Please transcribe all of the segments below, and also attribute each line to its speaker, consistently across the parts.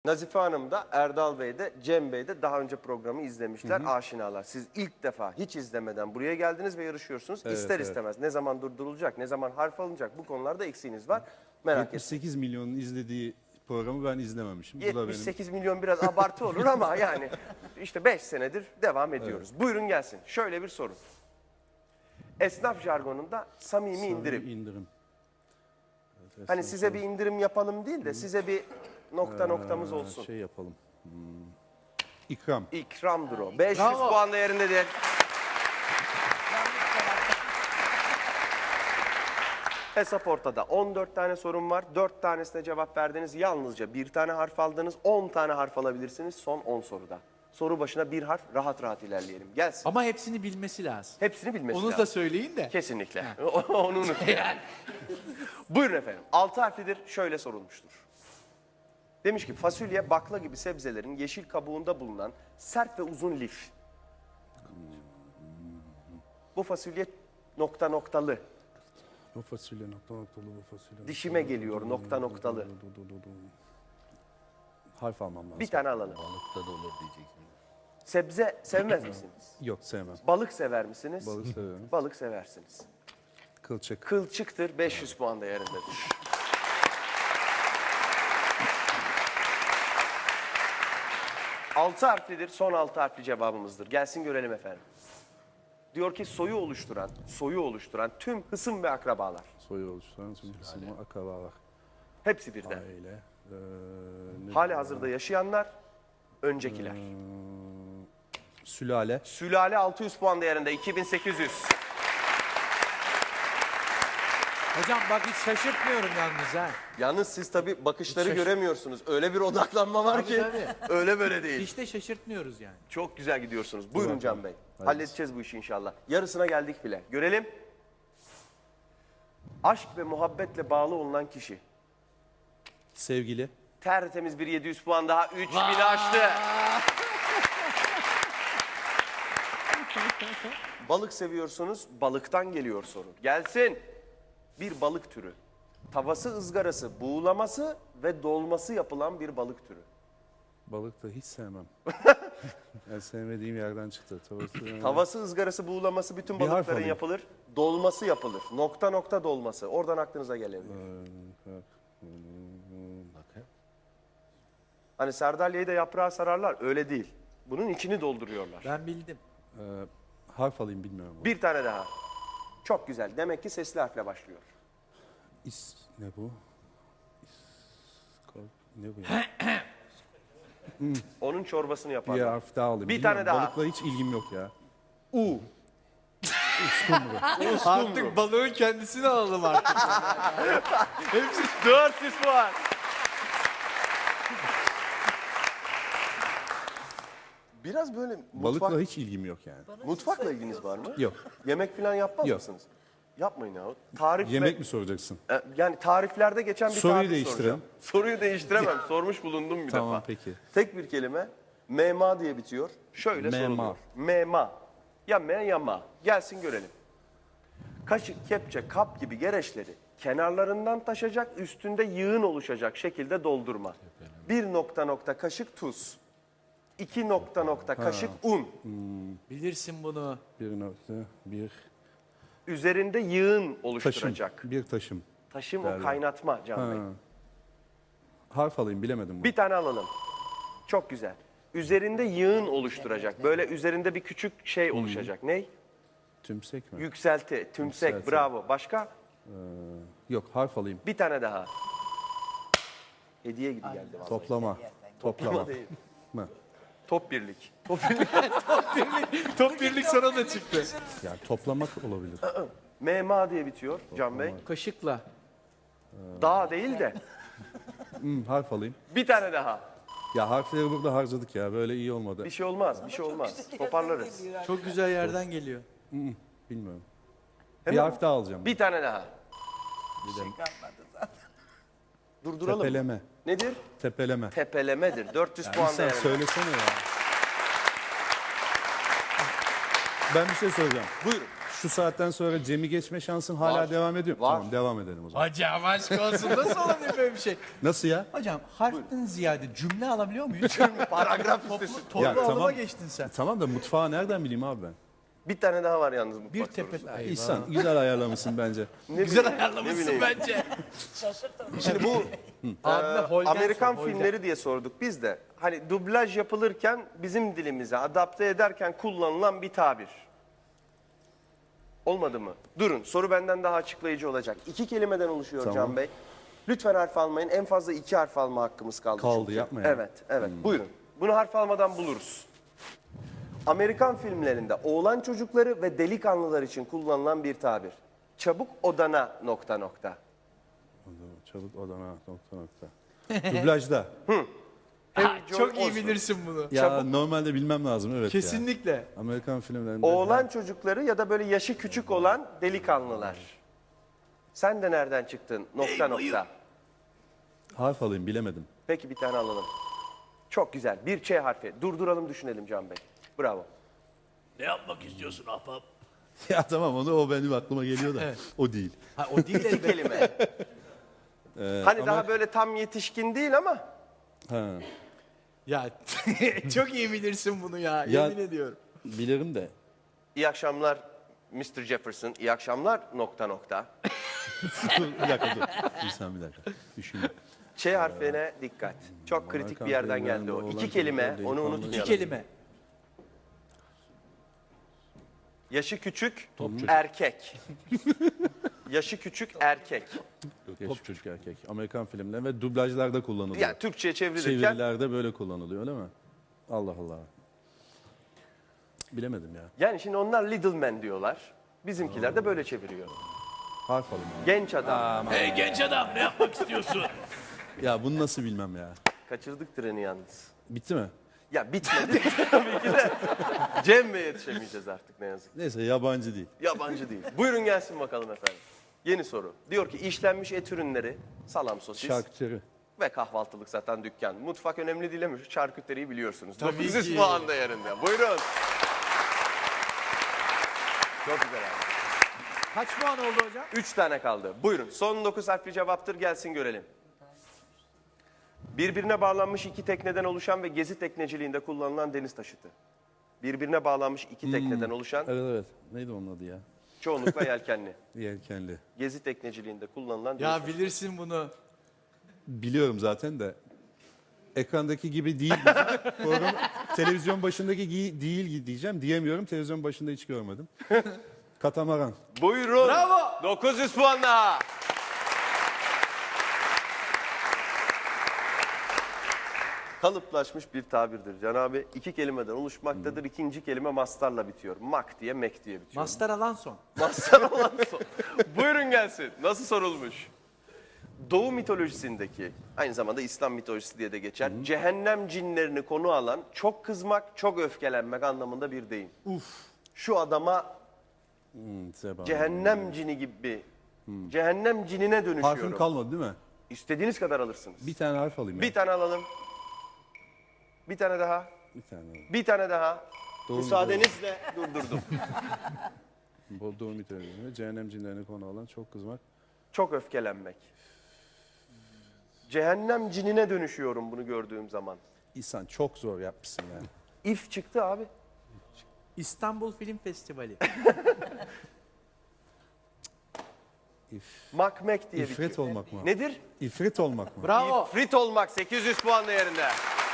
Speaker 1: Nazife Hanım da, Erdal Bey de, Cem Bey de daha önce programı izlemişler, aşinalar. Siz ilk defa hiç izlemeden buraya geldiniz ve yarışıyorsunuz.
Speaker 2: Evet,
Speaker 1: İster
Speaker 2: evet.
Speaker 1: istemez ne zaman durdurulacak, ne zaman harf alınacak bu konularda eksiğiniz var. Merak etmeyin.
Speaker 2: 78 milyonun izlediği programı ben izlememişim. Bu da benim.
Speaker 1: 78 milyon biraz abartı olur ama yani işte 5 senedir devam ediyoruz. Buyurun gelsin. Şöyle bir soru. Esnaf jargonunda samimi indirim.
Speaker 2: indirim. Evet,
Speaker 1: Hani size bir indirim yapalım değil de size bir noktamız olsun.
Speaker 2: Şey yapalım. İkram.
Speaker 1: İkramdır o. 500
Speaker 3: Bravo.
Speaker 1: puan değerindedir. Hesap ortada. 14 tane sorun var. 4 tanesine cevap verdiniz. Yalnızca bir tane harf aldınız. 10 tane harf alabilirsiniz son 10 soruda. Soru başına bir harf, rahat rahat ilerleyelim. Gelsin.
Speaker 3: Ama hepsini bilmesi lazım.
Speaker 1: Hepsini bilmesi
Speaker 3: Onu
Speaker 1: lazım.
Speaker 3: da söyleyin de.
Speaker 1: Kesinlikle. Onu unutmayın. Buyurun efendim. 6 harflidir. Şöyle sorulmuştur. Demiş ki fasulye, bakla gibi sebzelerin yeşil kabuğunda bulunan sert ve uzun lif. Bu fasulye noktalı.
Speaker 2: Bu fasulye noktalı bu fasulye.
Speaker 1: Dişime geliyor noktalı.
Speaker 2: Harf almam lazım.
Speaker 1: Bir tane alalım.
Speaker 4: Balıkta da olur diyeceksin.
Speaker 1: Sebze sevmez misiniz?
Speaker 2: Yok sevmem.
Speaker 1: Balık sever misiniz?
Speaker 2: Balık seviyorum.
Speaker 1: Balık seversiniz.
Speaker 2: Kılçık.
Speaker 1: Kılçıktır, 500 puan değerindedir. Altı harflidir, son 6 harfli cevabımızdır. Gelsin görelim efendim. Diyor ki soyu oluşturan tüm hısım ve akrabalar.
Speaker 2: Soyu oluşturan tüm kısmı akrabalar.
Speaker 1: Hepsi birden.
Speaker 2: Aile.
Speaker 1: Hali hazırda yaşayanlar, öncekiler.
Speaker 2: Sülale.
Speaker 1: Sülale 600 puan değerinde, 2800.
Speaker 3: Hocam bak hiç şaşırtmıyorum yalnız ha.
Speaker 1: Yalnız siz tabii bakışları
Speaker 3: Şaş-
Speaker 1: göremiyorsunuz. Öyle bir odaklanma var ki
Speaker 3: Tabii.
Speaker 1: öyle böyle değil.
Speaker 3: Hiç de şaşırtmıyoruz yani.
Speaker 1: Çok güzel gidiyorsunuz. Buyurun Can Bey.
Speaker 2: Hayırlısı.
Speaker 1: Halledeceğiz bu işi inşallah. Yarısına geldik bile. Görelim. Aşk ve muhabbetle bağlı olunan kişi.
Speaker 2: Sevgili.
Speaker 1: Tertemiz bir 700 puan daha. 3000'i aştı. Balık seviyorsunuz. Balıktan geliyor soru. Gelsin. Bir balık türü. Tavası, ızgarası, buğulaması ve dolması yapılan bir balık türü.
Speaker 2: Balık da hiç sevmem. Yani sevmediğim yerden çıktı.
Speaker 1: Tavası, ızgarası, buğulaması bütün
Speaker 2: Bir harf
Speaker 1: balıkların
Speaker 2: alayım.
Speaker 1: yapılır. Dolması yapılır. Nokta dolması. Oradan aklınıza gelebilir.
Speaker 4: Bakın.
Speaker 1: Hani sardalyayı da yaprağa sararlar. Öyle değil. Bunun içini dolduruyorlar.
Speaker 3: Ben bildim.
Speaker 2: Harf alayım bilmiyorum.
Speaker 1: Bir tane daha. Çok güzel. Demek ki sesli harfle başlıyor.
Speaker 2: Ne bu? Ne bu ya?
Speaker 1: Onun çorbasını
Speaker 2: Bir
Speaker 1: yaparlar.
Speaker 2: harf daha alayım.
Speaker 1: Bir
Speaker 2: Bilmiyorum,
Speaker 1: tane daha.
Speaker 2: Balıkla hiç ilgim yok ya.
Speaker 1: U.
Speaker 3: Artık balığın kendisini alalım artık.
Speaker 1: Hepsi 400 puan. Biraz böyle
Speaker 2: Balıkla hiç ilgim yok yani.
Speaker 1: mutfakla ilginiz var mı?
Speaker 2: Yok.
Speaker 1: Yemek falan yapmaz
Speaker 2: Yok.
Speaker 1: mısınız? Yapmayın ya. Tarif
Speaker 2: Yemek mi soracaksın?
Speaker 1: Yani tariflerde geçen bir
Speaker 2: Soruyu
Speaker 1: tarif
Speaker 2: değiştirelim.
Speaker 1: soracağım. Soruyu değiştiremem. Sormuş bulundum bir
Speaker 2: Tamam
Speaker 1: defa.
Speaker 2: peki.
Speaker 1: Tek bir kelime. Mema diye bitiyor. Şöyle
Speaker 2: Mema.
Speaker 1: soruluyor. Mema. Ya me ya ma. Gelsin görelim. Kaşık, kepçe, kap gibi gereçleri kenarlarından taşacak, üstünde yığın oluşacak şekilde doldurma. Bir kaşık tuz. 2 kaşık un.
Speaker 3: Bilirsin bunu.
Speaker 2: Bir
Speaker 1: Üzerinde yığın
Speaker 2: taşım.
Speaker 1: oluşturacak.
Speaker 2: Bir taşım.
Speaker 1: Taşım o
Speaker 2: Derler.
Speaker 1: kaynatma Can Bey.
Speaker 2: Harf alayım bilemedim bunu.
Speaker 1: Bir tane alalım. Çok güzel. Üzerinde yığın oluşturacak. Böyle üzerinde bir küçük şey oluşacak. Ney?
Speaker 2: Tümsek mi?
Speaker 1: Yükselti, tümsek,
Speaker 2: Yükselti.
Speaker 1: bravo. Başka?
Speaker 2: Yok harf alayım.
Speaker 1: Bir tane daha. Hediye gibi geldi vallahi.
Speaker 2: Toplama. Toplama.
Speaker 1: Ama değil.
Speaker 2: mı?
Speaker 1: Top birlik.
Speaker 3: Top birlik sana da çıktı.
Speaker 2: Yani toplamak olabilir.
Speaker 1: MMA diye bitiyor Can Bey.
Speaker 3: Kaşıkla.
Speaker 1: Dağ değil de
Speaker 2: Harf alayım.
Speaker 1: bir tane daha.
Speaker 2: Ya harfleri burada harcadık ya. Böyle iyi olmadı.
Speaker 1: Bir şey olmaz, bir şey olmaz. Toparlarız.
Speaker 3: Çok güzel yerden geliyor.
Speaker 2: Bilmiyorum.
Speaker 1: Hemen
Speaker 2: Bir harf daha alacağım.
Speaker 1: Bir tane daha. Durduralım.
Speaker 2: Tepeleme.
Speaker 1: Nedir?
Speaker 2: Tepeleme.
Speaker 1: Tepelemedir. 400 puan
Speaker 2: Sen
Speaker 1: değerinde.
Speaker 2: söylesene ya. Ben bir şey soracağım.
Speaker 1: Buyurun.
Speaker 2: Şu saatten sonra Cem'i geçme şansın hala
Speaker 1: Var.
Speaker 2: devam ediyor.
Speaker 1: Var.
Speaker 2: Tamam devam edelim o zaman.
Speaker 3: Hocam aşk olsun nasıl olabilir böyle bir şey?
Speaker 2: Nasıl ya?
Speaker 3: Hocam harften ziyade cümle alabiliyor muyuz?
Speaker 1: Paragraf listesi.
Speaker 3: Toplu
Speaker 2: Ya,
Speaker 3: alıma
Speaker 2: tamam.
Speaker 3: geçtin sen.
Speaker 2: Tamam da mutfağı nereden bileyim abi ben?
Speaker 1: Bir tane daha var yalnız mutfak
Speaker 3: Bir tepe...
Speaker 1: sorusu.
Speaker 3: Eyvah.
Speaker 2: İhsan güzel ayarlamışsın bence.
Speaker 1: Ne
Speaker 3: Güzel
Speaker 1: bileyim, ne
Speaker 3: ayarlamışsın
Speaker 1: bileyim.
Speaker 3: bence.
Speaker 1: Şimdi bu
Speaker 3: Abime Holden
Speaker 1: Amerikan
Speaker 3: sor, Holden.
Speaker 1: filmleri diye sorduk biz de. Hani dublaj yapılırken bizim dilimize adapte ederken kullanılan bir tabir. Olmadı mı? Durun, soru benden daha açıklayıcı olacak. 2 kelimeden oluşuyor
Speaker 2: Tamam.
Speaker 1: Can Bey. Lütfen harf almayın. En fazla 2 harf alma hakkımız kaldı.
Speaker 2: Kaldı,
Speaker 1: çünkü.
Speaker 2: yapma ya.
Speaker 1: Evet, evet. Buyurun. Bunu harf almadan buluruz. Amerikan filmlerinde oğlan çocukları ve delikanlılar için kullanılan bir tabir. Çabuk odana ...
Speaker 2: Çabuk odana ... Dublajda.
Speaker 3: Ha,
Speaker 1: John
Speaker 3: çok iyi
Speaker 1: Osborne.
Speaker 3: bilirsin bunu.
Speaker 2: Ya normalde bilmem lazım evet ya.
Speaker 3: Kesinlikle.
Speaker 2: Amerikan filmlerinde.
Speaker 1: Oğlan çocukları ya da böyle yaşı küçük olan delikanlılar. Sen de nereden çıktın ...
Speaker 2: Harf alayım bilemedim.
Speaker 1: Peki bir tane alalım. Çok güzel. Bir Ç harfi. Durduralım düşünelim Can Bey. Bravo.
Speaker 4: Ne yapmak istiyorsun ahbap?
Speaker 2: Ya tamam o benim aklıma geliyor da. O değil.
Speaker 3: Ha, o değil
Speaker 1: İki
Speaker 3: elbette.
Speaker 1: kelime. Hani
Speaker 2: ama-
Speaker 1: daha böyle tam yetişkin değil ama
Speaker 2: Ha,
Speaker 3: Ya çok iyi bilirsin bunu ya.
Speaker 2: Ya-
Speaker 3: Yemin ediyorum.
Speaker 2: bilirim de.
Speaker 1: iyi akşamlar Mr. Jefferson. İyi akşamlar ...
Speaker 2: Dur, bir dakika dur. İhsan bir dakika. Düşünün.
Speaker 1: Ç harfine dikkat. Çok kritik bir yerden geldi o.
Speaker 2: Amerikan
Speaker 1: 2 kelime,
Speaker 2: filmlerinde
Speaker 1: onu
Speaker 2: delikanlı-
Speaker 3: İki
Speaker 1: unutmayalım.
Speaker 3: kelime.
Speaker 1: Yaşı küçük, erkek. Yaşı küçük, erkek.
Speaker 2: Genç çocuk erkek. Amerikan filmleri ve dublajlarda kullanılıyor.
Speaker 1: Yani Türkçe'ye çevrilirken
Speaker 2: Çevirilerde böyle kullanılıyor öyle mi? Allah Allah. Bilemedim ya.
Speaker 1: yani şimdi onlar little man diyorlar. Bizimkiler de böyle çeviriyor.
Speaker 2: Harf alayım ya.
Speaker 1: Genç adam.
Speaker 4: Hey genç adam ne yapmak istiyorsun?
Speaker 2: Ya bunu nasıl bilmem ya.
Speaker 1: Kaçırdık treni yalnız.
Speaker 2: Bitti mi?
Speaker 1: Ya bitmedi tabii ki de. Cem Bey'e yetişemeyeceğiz artık ne yazık.
Speaker 2: Neyse yabancı değil.
Speaker 1: Yabancı değil. Buyurun gelsin bakalım efendim. Yeni soru. Diyor ki işlenmiş et ürünleri, salam sosis
Speaker 2: Şarküteri.
Speaker 1: ve kahvaltılık satan dükkan. Mutfak önemli değil ama şu şarküteriyi biliyorsunuz.
Speaker 3: Tabii
Speaker 1: 900
Speaker 3: ki.
Speaker 1: puan değerinde. Buyurun. Çok güzel abi.
Speaker 3: Kaç puan oldu hocam?
Speaker 1: 3 tane kaldı. Buyurun. Son 9 harfli cevaptır gelsin görelim. Birbirine bağlanmış 2 tekneden oluşan ve gezi tekneciliğinde kullanılan deniz taşıtı. Birbirine bağlanmış 2 tekneden oluşan,
Speaker 2: Evet evet. Neydi onun adı ya?
Speaker 1: çoğunlukla yelkenli.
Speaker 2: Yelkenli.
Speaker 1: Gezi tekneciliğinde kullanılan deniz
Speaker 3: Ya
Speaker 1: taşıtı.
Speaker 3: bilirsin bunu.
Speaker 2: Biliyorum zaten de. Ekrandaki gibi değil. Program, televizyon başındaki değil diyeceğim. Diyemiyorum. Televizyon başında hiç görmedim. Katamaran.
Speaker 1: Buyurun.
Speaker 3: Bravo.
Speaker 1: 900 puan daha. Kalıplaşmış bir tabirdir Can abi. 2 kelimeden oluşmaktadır. İkinci kelime mastarla bitiyor. Mak diye, mek diye bitiyor.
Speaker 3: Mastar alan son.
Speaker 1: Mastar olan son. Buyurun gelsin. Nasıl sorulmuş? Doğu mitolojisindeki, aynı zamanda İslam mitolojisi diye de geçer. Cehennem cinlerini konu alan çok kızmak, çok öfkelenmek anlamında bir deyim. Şu adama
Speaker 2: Zeba.
Speaker 1: cehennem cini gibi cehennem cinine dönüşüyorum.
Speaker 2: Harfim kalmadı değil mi?
Speaker 1: İstediğiniz kadar alırsınız.
Speaker 2: Bir tane harf alayım ya.
Speaker 1: Bir tane alalım. Bir tane daha.
Speaker 2: Bir tane alayım.
Speaker 1: Bir tane daha.
Speaker 2: Doğru,
Speaker 1: Müsaadenizle durdurdum.
Speaker 2: Doğu mitolojisinde cehennem cinlerine konu alan çok kızmak.
Speaker 1: Çok öfkelenmek. Cehennem cinine dönüşüyorum bunu gördüğüm zaman.
Speaker 2: İhsan çok zor yapmışsın yani.
Speaker 1: İf çıktı abi.
Speaker 3: İstanbul Film Festivali.
Speaker 1: Makmek diye
Speaker 2: İfrit
Speaker 1: bitiyor.
Speaker 2: olmak mı?
Speaker 1: Nedir?
Speaker 2: İfrit olmak mı?
Speaker 3: Bravo.
Speaker 1: İfrit olmak 800 puan değerinde.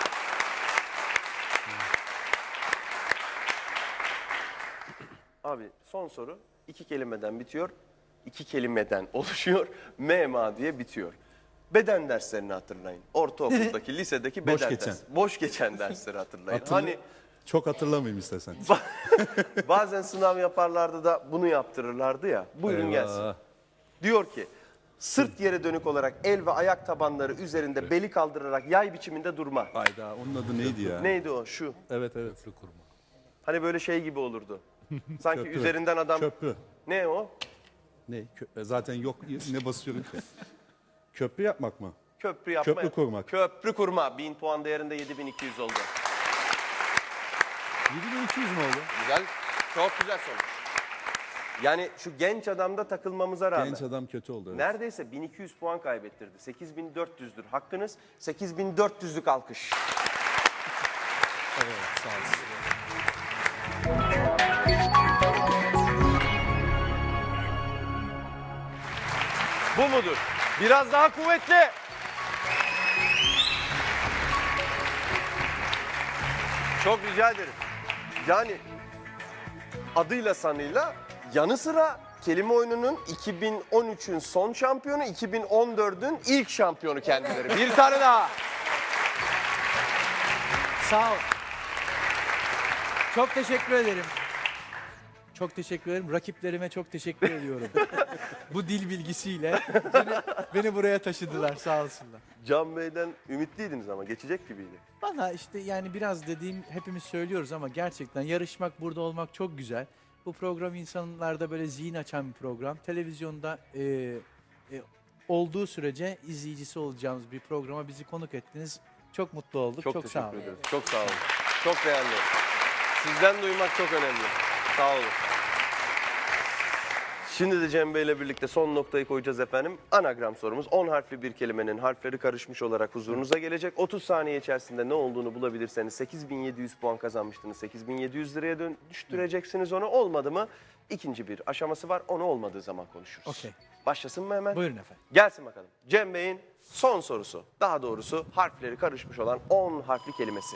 Speaker 1: Abi son soru 2 kelimeden bitiyor. 2 kelimeden oluşuyor. MMA diye bitiyor. Beden derslerini hatırlayın. Ortaokuldaki, lisedeki
Speaker 2: Boş
Speaker 1: beden
Speaker 2: geçen.
Speaker 1: ders. Boş geçen dersleri hatırlayın.
Speaker 2: Hatırla-
Speaker 1: Hani
Speaker 2: Çok hatırlamayayım istersen.
Speaker 1: bazen sınav yaparlardı da bunu yaptırırlardı ya. Buyurun gelsin.
Speaker 2: Eyvah.
Speaker 1: Diyor ki sırt yere dönük olarak el ve ayak tabanları üzerinde beli kaldırarak yay biçiminde durma.
Speaker 2: Hayda onun adı neydi ya?
Speaker 1: Neydi o? Şu.
Speaker 2: Evet evet.
Speaker 1: Hani böyle şey gibi olurdu. Sanki
Speaker 2: Köprü.
Speaker 1: üzerinden adam...
Speaker 2: Köprü.
Speaker 1: Ne o?
Speaker 2: Ne? Zaten yok ne basıyorum ki? Köprü yapmak mı?
Speaker 1: Köprü yapma.
Speaker 2: Köprü kurmak.
Speaker 1: Köprü kurma. 1000 puan değerinde 7200 oldu.
Speaker 2: 7200 mü oldu?
Speaker 1: Güzel. Çok güzel sonuç. Yani şu genç adamda takılmamıza rağmen.
Speaker 2: Genç adam kötü oldu. Evet.
Speaker 1: Neredeyse 1200 puan kaybettirdi. 8400'dür hakkınız. 8400'lük alkış.
Speaker 3: Evet, sağ olsun.
Speaker 1: Bu mudur? Biraz daha kuvvetli. Çok rica ederim. Yani adıyla sanıyla yanı sıra kelime oyununun 2013'ün son şampiyonu, 2014'ün ilk şampiyonu kendileri. Bir tane daha.
Speaker 3: Sağ ol. Çok teşekkür ederim. Çok teşekkür ederim. Rakiplerime çok teşekkür ediyorum. Bu dil bilgisiyle beni buraya taşıdılar, sağ olsunlar.
Speaker 1: Can Bey'den ümitliydiniz ama geçecek gibiydi.
Speaker 3: Valla işte yani biraz dediğim hepimiz söylüyoruz ama gerçekten yarışmak, burada olmak çok güzel. Bu program insanlarda böyle zihin açan bir program. Televizyonda olduğu sürece izleyicisi olacağımız bir programa bizi konuk ettiniz. Çok mutlu olduk. Çok sağ
Speaker 1: teşekkür
Speaker 3: olun.
Speaker 1: ederiz. Çok sağ olun. Çok değerli. Sizden duymak çok önemli. Sağ olun. Şimdi de Cem Bey'le birlikte son noktayı koyacağız efendim. Anagram sorumuz 10 harfli bir kelimenin harfleri karışmış olarak huzurunuza gelecek. 30 saniye içerisinde ne olduğunu bulabilirseniz 8700 puan kazanmıştınız. 8700 liraya dönüştüreceksiniz onu. Olmadı mı? İkinci bir aşaması var. Onu olmadığı zaman konuşuruz.
Speaker 3: Okey.
Speaker 1: Başlasın mı hemen?
Speaker 3: Buyurun efendim.
Speaker 1: Gelsin bakalım. Cem Bey'in son sorusu. Daha doğrusu harfleri karışmış olan 10 harfli kelimesi.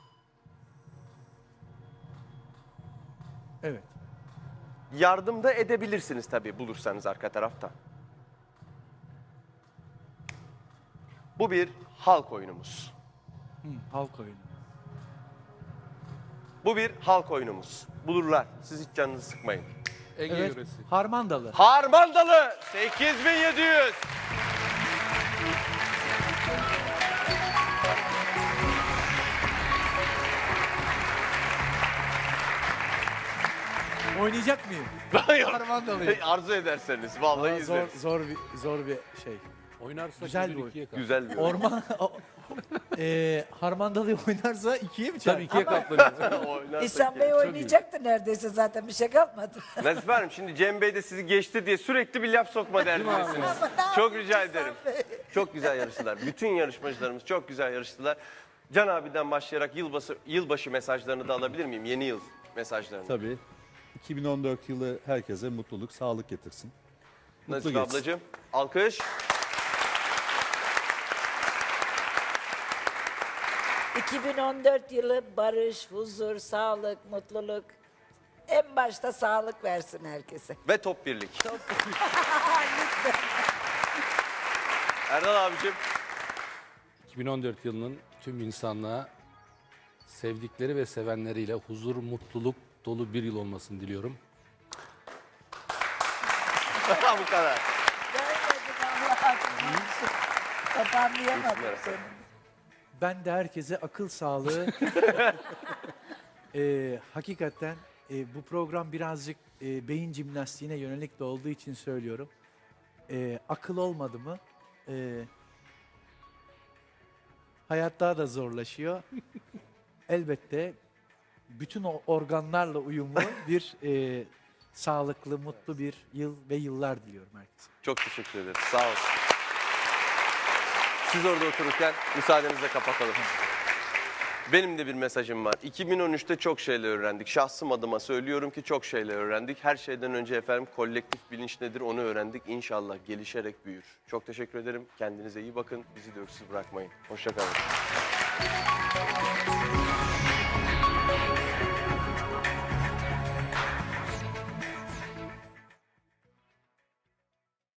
Speaker 3: Evet.
Speaker 1: Yardım da edebilirsiniz tabii bulursanız arka tarafta. Bu bir halk oyunumuz.
Speaker 3: Halk oyunu.
Speaker 1: Bu bir halk oyunumuz. Bulurlar. Siz hiç canınızı sıkmayın.
Speaker 3: Evet. Harmandalı.
Speaker 1: Harmandalı 8700.
Speaker 3: Oynayacak mıyım?
Speaker 1: Yok.
Speaker 3: Harmandalıyım.
Speaker 1: Arzu ederseniz vallahi
Speaker 3: Aa,
Speaker 1: izleriz.
Speaker 3: zor bir şey.
Speaker 4: Oynarsa
Speaker 3: Güzel
Speaker 4: güzel
Speaker 3: bir oyun.
Speaker 4: ikiye kalır.
Speaker 1: Güzel bir oyun.
Speaker 3: Orman Harmandalı oynarsa ikiye mi çarpar?
Speaker 4: Tabii ikiye katlanır.
Speaker 1: Oynarsak
Speaker 5: İhsan
Speaker 1: ya.
Speaker 5: Bey oynayacaktı neredeyse zaten bir şey kalmadı.
Speaker 1: Nazif Hanım şimdi Cem Bey de sizi geçti diye sürekli bir laf sokma derdindesiniz. Çok rica ederim. Çok güzel yarıştılar. Bütün yarışmacılarımız çok güzel yarıştılar. Can abiden başlayarak yılbaşı mesajlarını da alabilir miyim? Yeni yıl mesajlarını.
Speaker 2: Tabii. 2014 yılı herkese mutluluk, sağlık getirsin. Mutlu
Speaker 1: Nazif
Speaker 2: geçsin.
Speaker 1: ablacığım alkış.
Speaker 5: 2014 yılı barış, huzur, sağlık, mutluluk. En başta sağlık versin herkese.
Speaker 1: Ve top birlik. Erdal abicim.
Speaker 6: 2014 yılının tüm insanlığa sevdikleri ve sevenleriyle huzur, mutluluk dolu bir yıl olmasını diliyorum.
Speaker 1: Bu kadar.
Speaker 5: Görmedim Allah'ım. Toparlayamadım seni.
Speaker 3: Ben de herkese akıl sağlığı. Hakikaten bu program birazcık beyin jimnastiğine yönelik de olduğu için söylüyorum. Akıl olmadı mı hayat daha da zorlaşıyor. Elbette bütün o organlarla uyumlu bir sağlıklı, mutlu bir yıl ve yıllar diliyorum herkese.
Speaker 1: Çok teşekkür ederim. Sağ olun. Siz orada otururken müsaadenizle kapatalım. Benim de bir mesajım var. 2013'te çok şeyler öğrendik. Şahsım adıma söylüyorum ki çok şeyler öğrendik. Her şeyden önce efendim kolektif bilinç nedir onu öğrendik. İnşallah gelişerek büyür. Çok teşekkür ederim. Kendinize iyi bakın. Bizi de öksüz bırakmayın. Hoşça kalın.